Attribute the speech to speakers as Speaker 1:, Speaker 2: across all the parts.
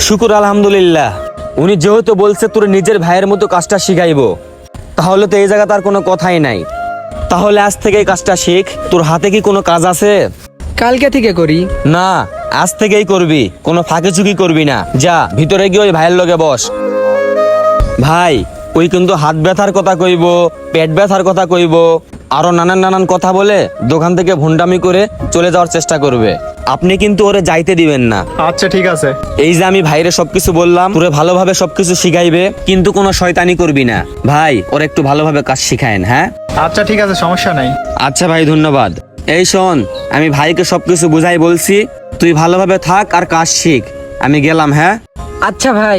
Speaker 1: শুকুর আলহামদুলিল্লাহ। উনি যেহেতু বলছে তোর নিজের ভাইয়ের মতো কাজটা শিখাইবো, তাহলে তো এই জায়গা তার কোনো কথাই নাই। তাহলে আজ থেকে এই কাজটা শিখ। তোর হাতে কি কোনো কাজ আছে?
Speaker 2: কালকে থেকে করি।
Speaker 1: না, আজ থেকেই করবি, কোনো ফাঁকে চুকি করবি না। যা ভিতরে গিয়ে ওই ভাইয়ের লগে বস। ভাই, ওই কিন্তু হাত ব্যথার কথা কইব, পেট ব্যথার কথা কইব, আরো নানান নানান কথা বলে দোকান থেকে ভুন্ডামি করে চলে যাওয়ার চেষ্টা করবে। আপনি কিন্তু ওরে যাইতে দিবেন না।
Speaker 3: আচ্ছা ঠিক আছে।
Speaker 1: এই যে আমি ভাইরে সবকিছু বললাম, তোরে ভালোভাবে সবকিছু শিখাইবে, কিন্তু কোনো শয়তানি করবি না। ভাই, ওর একটু ভালোভাবে কাজ শিখায়েন। হ্যাঁ
Speaker 3: আচ্ছা ঠিক আছে, সমস্যা নাই।
Speaker 1: আচ্ছা ভাই, ধন্যবাদ। এই শোন, আমি ভাইকে সবকিছু বুঝাই বলছি, তুই ভালোভাবে থাক আর কাজ শিখ। আমি গেলাম। হ্যাঁ
Speaker 2: আচ্ছা ভাই।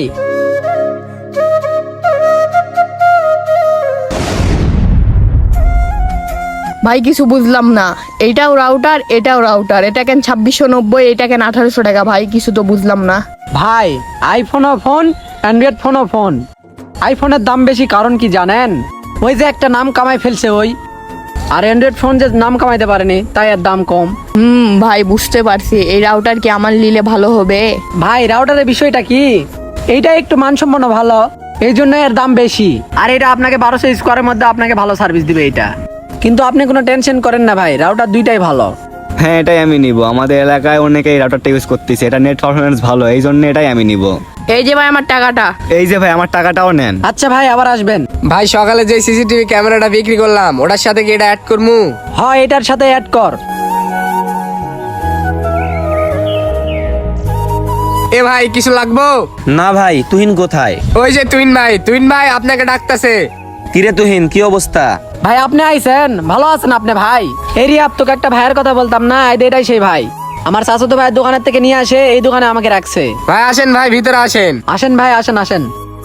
Speaker 4: ভাই কিছু বুঝলাম না, এটাও রাউটার এটাও রাউটার, এটা কেন 2690, এটা কেন 1800 টাকা? ভাই কিছু তো বুঝলাম না।
Speaker 2: ভাই, আইফোনও ফোন, অ্যান্ড্রয়েড ফোনও ফোন। আইফোনের দাম বেশি কারণ কি জানেন? ওই যে একটা নাম কামাই ফেলছে ওই, আর অ্যান্ড্রয়েড ফোন যে নাম কামাইতে পারেনি তাই এর দাম কম।
Speaker 4: ভাই বুঝতে পারছি, এই রাউটার কি আমার নিলে ভালো হবে?
Speaker 2: ভাই, রাউটারের বিষয়টা কি, এইটা একটু মানসম্পন্ন ভালো, এই জন্য এর দাম বেশি। আর এটা আপনাকে 1200 স্কোয়ারের মধ্যে আপনাকে ভালো সার্ভিস দিবে এটা। কিন্তু আপনি কোনো টেনশন করেন না ভাই, রাউটার দুইটাই ভালো।
Speaker 5: হ্যাঁ, এটাই আমি নিব। আমাদের এলাকায় অনেকে এই রাউটারটা ইউজ করতেছে, এটা নেট পারফরমেন্স ভালো, এই জন্য এটাই আমি নিব।
Speaker 4: এই যে ভাই আমার টাকাটা।
Speaker 5: এই যে ভাই, আমার টাকাটাও নেন।
Speaker 2: আচ্ছা ভাই, আবার আসবেন।
Speaker 6: ভাই, সকালে যে সিসিটিভি ক্যামেরাটা বিক্রি করলাম ওটার সাথে কি এটা অ্যাড করমু?
Speaker 2: হয়, এটার সাথে অ্যাড কর।
Speaker 6: এ ভাই, কিছু লাগবো?
Speaker 1: না ভাই, তুহিন কোথায়?
Speaker 6: ওই যে তুহিন ভাই আপনাকে ডাকতেছে।
Speaker 1: কিরে তুহিন, কি অবস্থা?
Speaker 2: ভাই আপনি আইছেন, ভালো আছেন আপনি? ভাই এরিয়া তোকে একটা ভাইয়ের কথা বলতাম না, এটাই সেই ভাই আমার চাচাতো ভাইয়ের দোকানের থেকে নিয়ে আসে এই দোকানে আমাকে রাখছে।
Speaker 6: ভাই আসেন, ভাই ভিতরে আসেন।
Speaker 2: আসেন ভাই, আসেন আসেন।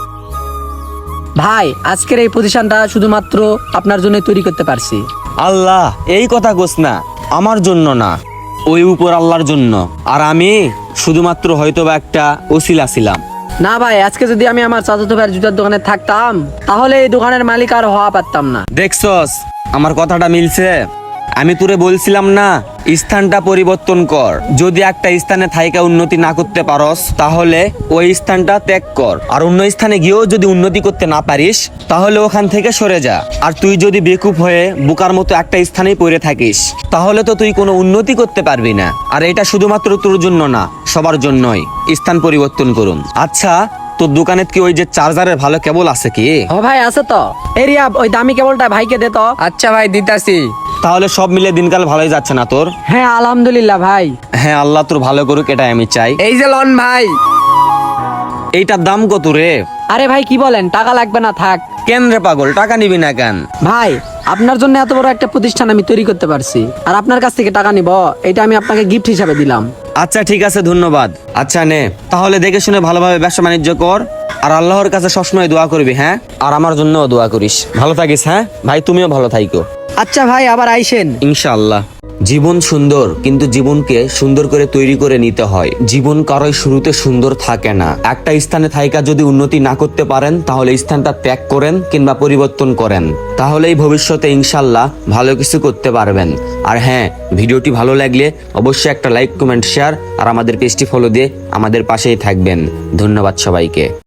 Speaker 2: ভাই, আজকের এই প্রতিষ্ঠানটা শুধুমাত্র আপনার জন্য তৈরি করতে পারছি।
Speaker 1: আল্লাহ, এই কথা কোস না, আমার জন্য না, ওই উপর আল্লাহর জন্য। আর আমি শুধুমাত্র হয়তোবা একটা ওসিলা ছিলাম।
Speaker 2: না ভাই, আজকে যদি আমি আমার চাচাতো ভাইয়ের জুতার দোকানে থাকতাম তাহলে এই দোকানের মালিক আর হওয়া পারতাম না।
Speaker 1: দেখছস আমার কথাটা মিলছে? আমি তোরে বলছিলাম না, স্থানটা পরিবর্তন কর। যদি একটা স্থানে থাইকা উন্নতি না করতে পারস, তাহলে ওই স্থানটা ত্যাগ কর। আর অন্য স্থানে গিয়েও যদি উন্নতি করতে না পারিস, তাহলে ওখান থেকে সরে যা। আর তুই যদি বেকুব হয়ে বোকার মতো একটা স্থানেই পড়ে থাকিস, তাহলে তো তুই কোনো উন্নতি করতে পারবি না। আর এটা শুধুমাত্র তোর জন্য না, সবার জন্যই। স্থান পরিবর্তন করুন। আচ্ছা, তোর দোকানে কি ওই যে চার্জারের ভালো কেবল আছে কি?
Speaker 2: ও ভাই, আছে তো। এরিয়া ওই দামি কেবলটা ভাইকে দে তো।
Speaker 6: আচ্ছা ভাই, দিতাছি।
Speaker 1: তাহলে সব মিলে দিনকাল ভালোই যাচ্ছে না তোর?
Speaker 2: হ্যাঁ আলহামদুলিল্লাহ ভাই।
Speaker 1: হ্যাঁ, আল্লাহ তোর ভালো করুক, এটাই আমি চাই।
Speaker 6: এই যে লন ভাই।
Speaker 1: এইটার দাম কত রে?
Speaker 2: আরে ভাই কি বলেন, টাকা লাগবে না, থাক।
Speaker 1: কেন রে পাগল, টাকা নিবি না কেন?
Speaker 2: ভাই, আপনার জন্য এত বড় একটা প্রতিষ্ঠান আমি তৈরি করতে পারছি, আর আপনার কাছ থেকে টাকা নিব, এটা আমি আপনাকে গিফট হিসাবে দিলাম।
Speaker 1: আচ্ছা ঠিক আছে, ধন্যবাদ। আচ্ছা নে, তাহলে দেখে শুনে ভালোভাবে ব্যবসা বাণিজ্য কর, আর আল্লাহর কাছে সবসময় দোয়া করবি। হ্যাঁ, আর আমার জন্যও দোয়া করিস। ভালো থাকিস। হ্যাঁ ভাই, তুমিও ভালো থাইকো।
Speaker 2: আচ্ছা ভাই, আবার আইসেন
Speaker 1: ইনশাআল্লাহ। জীবন সুন্দর, কিন্তু জীবনকে সুন্দর করে তৈরি করে নিতে হয়। জীবন কারোই শুরুতে সুন্দর থাকে না। একটা স্থানে থাইকা যদি উন্নতি না করতে পারেন, তাহলে স্থানটা ত্যাগ করেন কিংবা পরিবর্তন করেন, তাহলেই ভবিষ্যতে ইনশাআল্লাহ ভালো কিছু করতে পারবেন। আর হ্যাঁ, ভিডিওটি ভালো লাগলে অবশ্যই একটা লাইক, কমেন্ট, শেয়ার আর আমাদের পেজটি ফলো দিয়ে আমাদের পাশেই থাকবেন। ধন্যবাদ সবাইকে।